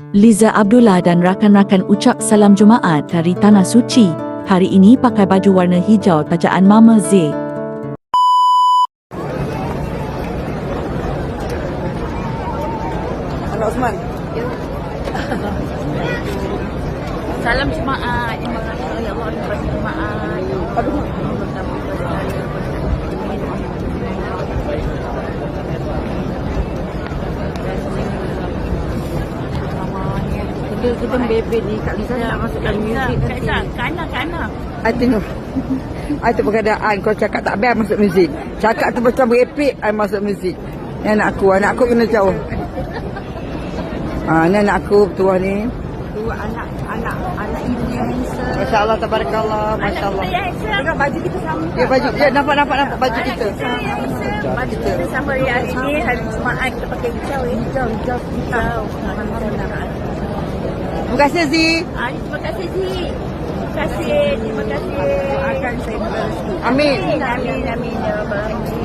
Liza Abdullah dan rakan-rakan ucap salam Jumaat dari Tanah Suci. Hari ini pakai baju warna hijau tajaan Mama Z. Anak Osman. Salam Jumaat. Terima kasih ya Allah atas Jumaat. Aduh. Kita bebek ni Kak Lisa nak masukkan muzik nanti. Kana. I tengok. I tu pergadaan kau cakap tak biar masuk muzik. Cakap tu macam berepek I masuk muzik. Ni anak aku kena jauh. Ni anak aku tua ni. Dua anak ibu yang handsome. Masya-Allah tabarakallah, masya-Allah. Tengok baju kita sama. Dia baju dia nampak baju kita. Baju kita sama hari ini hari Jumaat kita pakai hijau. Hijau. Terima kasih Zi. Terima kasih Zi. Terima kasih. Amin. Amin ya Rabbal.